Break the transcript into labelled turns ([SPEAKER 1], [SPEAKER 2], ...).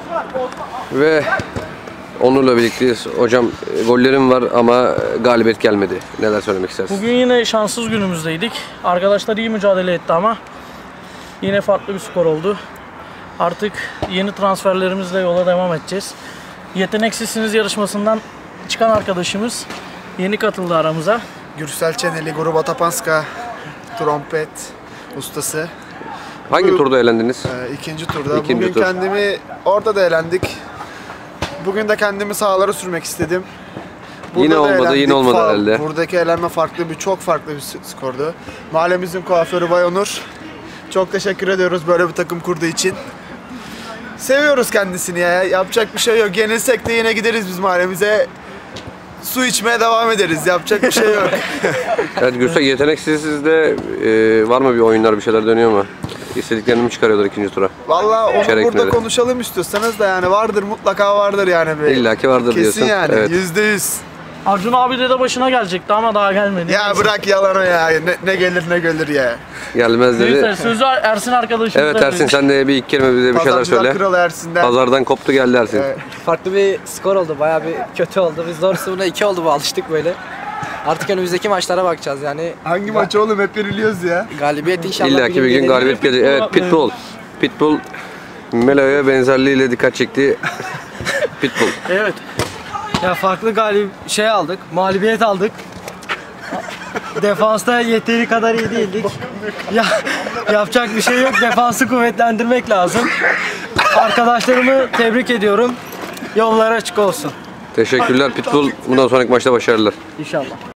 [SPEAKER 1] Ve Onur'la birlikteyiz. Hocam gollerim var ama galibiyet gelmedi. Neler söylemek istersiniz?
[SPEAKER 2] Bugün yine şanssız günümüzdeydik. Arkadaşlar iyi mücadele etti ama yine farklı bir skor oldu. Artık yeni transferlerimizle yola devam edeceğiz. Yeteneksizsiniz yarışmasından çıkan arkadaşımız yeni katıldı aramıza.
[SPEAKER 3] Gürsel Çeneli, Gruba Tapanska, trompet ustası.
[SPEAKER 1] Hangi turda eğlendiniz?
[SPEAKER 3] İkinci turda.
[SPEAKER 1] İkinci
[SPEAKER 3] Bugün
[SPEAKER 1] tur.
[SPEAKER 3] kendimi orada da eğlendik. Bugün de kendimi sahalara sürmek istedim.
[SPEAKER 1] Yine
[SPEAKER 3] da
[SPEAKER 1] olmadı,
[SPEAKER 3] eğlendik.
[SPEAKER 1] yine olmadı herhalde.
[SPEAKER 3] Buradaki eğlenme çok farklı bir skordu. Mahallemizin kuaförü Bay Onur. Çok teşekkür ediyoruz böyle bir takım kurduğu için. Seviyoruz kendisini ya. Yapacak bir şey yok. Yenilsek de yine gideriz biz mahallemize. Su içmeye devam ederiz. Yapacak bir şey yok.
[SPEAKER 1] Evet Gürsel, yeteneksizsizde var mı bir oyunlar, bir şeyler dönüyor mu? İstediklerini mi çıkarıyorlar ikinci tura?
[SPEAKER 3] Vallahi onu
[SPEAKER 1] Çeyrek
[SPEAKER 3] burada
[SPEAKER 1] finali.
[SPEAKER 3] konuşalım istiyorsanız da yani vardır, mutlaka vardır yani.
[SPEAKER 1] İlla ki vardır diyorsun.
[SPEAKER 3] Kesin yani,
[SPEAKER 1] Evet.
[SPEAKER 3] %100.
[SPEAKER 2] Arjun abi de başına gelecekti ama daha gelmedi.
[SPEAKER 3] Ya bırak yalan o ya. Ne gelir ne gelir ya.
[SPEAKER 1] Gelmez
[SPEAKER 2] Neyse,
[SPEAKER 1] dedi.
[SPEAKER 2] sözü Ersin arkadaşımıza
[SPEAKER 1] Evet Ersin, sen de bir iki kelime bize bir şeyler
[SPEAKER 3] Pazarcılar
[SPEAKER 1] söyle.
[SPEAKER 3] Kralı Ersin'den.
[SPEAKER 1] Pazardan koptu geldi Ersin.
[SPEAKER 3] Evet.
[SPEAKER 4] Farklı bir skor oldu. Bayağı bir kötü oldu. Biz doğrusu buna 2 oldu bu, alıştık böyle. Artık önümüzdeki maçlara bakacağız yani.
[SPEAKER 3] Hangi maçı oğlum, hep yeniliyoruz ya.
[SPEAKER 4] Galibiyet inşallah.
[SPEAKER 1] İlla ki bir gün
[SPEAKER 4] gelir.
[SPEAKER 1] galibiyet gelecek. Evet, Pitbull. Pitbull Melo'ya benzerliğiyle dikkat çekti. Pitbull.
[SPEAKER 2] Evet.
[SPEAKER 4] Ya farklı aldık. Mağlubiyet aldık. Defansta yeteri kadar iyi değildik. Ya yapacak bir şey yok. Defansı kuvvetlendirmek lazım. Arkadaşlarımı tebrik ediyorum. Yolları açık olsun
[SPEAKER 1] Teşekkürler Pitbull. Bundan sonraki maçta başarılar.
[SPEAKER 2] inşallah.